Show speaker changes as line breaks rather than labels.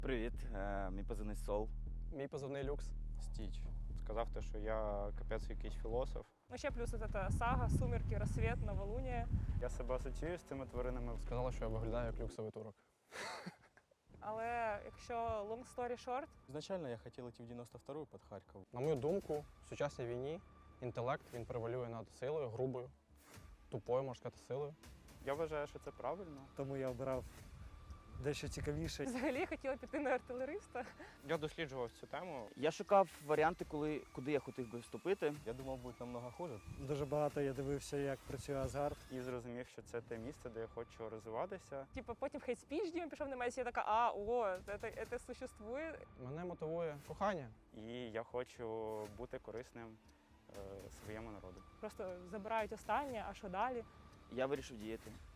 Привіт, мій позивний Сол.
Мій позивний Люкс.
Стіч. Сказав те, що я капець якийсь філософ.
Ну, ще плюс от эта сага, сумерки, рассвет, новолуние.
Я себе асоціюю з цими тваринами.
Сказала, що я виглядаю як люксовий турок.
Але якщо long story short,
Изначально я хотел идти в 92-ю под Харьков.
На мою думку, в сучасній війні інтелект він превалює над силою, грубою, тупою, можна сказати, силою.
Я вважаю, що це правильно.
Тому я обрав дещо цікавіше.
взагалі хотіла піти на артилериста.
Я досліджував цю тему.
Я шукав варіанти, куди я хотів би вступити.
Я думал, будет намного хуже.
Дуже багато я дивився, як працює Асгард.
І зрозумів, що це те місце, де я хочу розвиватися.
Типу, потім хейт-спіч Діма пішов на мене, і я така, це существує.
Мене мотивує кохання.
І я хочу бути корисним своєму народу.
Просто забирають останнє, а що далі?
Я вирішив діяти.